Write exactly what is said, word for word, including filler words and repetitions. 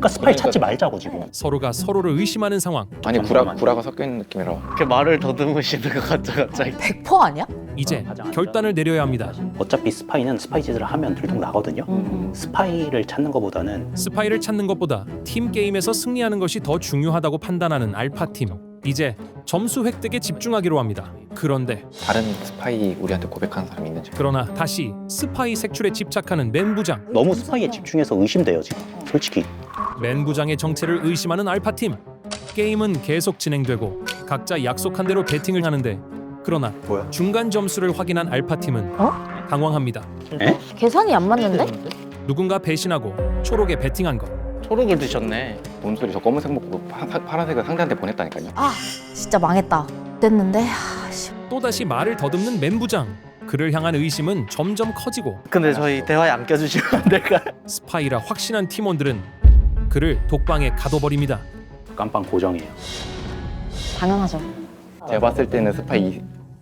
그러니까 스파이 찾지 말자고 지금. 서로가 서로를 의심하는 상황. 아니 구라 구라가 섞여 있는 느낌이라. 이렇게 말을 더듬으시는 것 같죠 갑자기. 백 퍼센트 아니야? 이제 결단을 내려야 합니다. 어차피 스파이는 스파이 짓을 하면 들통 나거든요. 음. 스파이를 찾는 것보다는 스파이를 찾는 것보다 팀 게임에서 승리하는 것이 더 중요하다고 판단하는 알파팀. 이제 점수 획득에 집중하기로 합니다. 그런데 다른 스파이 우리한테 고백하는 사람이 있는지. 그러나 다시 스파이 색출에 집착하는 맨 부장. 너무 스파이에 집중해서 의심돼요 지금. 솔직히. 맨 부장의 정체를 의심하는 알파팀. 게임은 계속 진행되고 각자 약속한 대로 배팅을 하는데 그러나 뭐야? 중간 점수를 확인한 알파팀은 어? 당황합니다. 계산이 안 맞는데? 누군가 배신하고 초록에 배팅한 것. 초록을 드셨네. 뭔 소리? 저 검은색 먹고 파, 파, 파란색을 상대한테 보냈다니까요. 아 진짜 망했다. 됐는데 아, 씨. 또다시 말을 더듬는 맨 부장. 그를 향한 의심은 점점 커지고 근데 저희 대화에 안 껴주시면 안 될까요? 스파이라 확신한 팀원들은 그를 독방에 가둬버립니다. 깜빵 고정이에요. 당연하죠. 제가 봤을 때는 스파이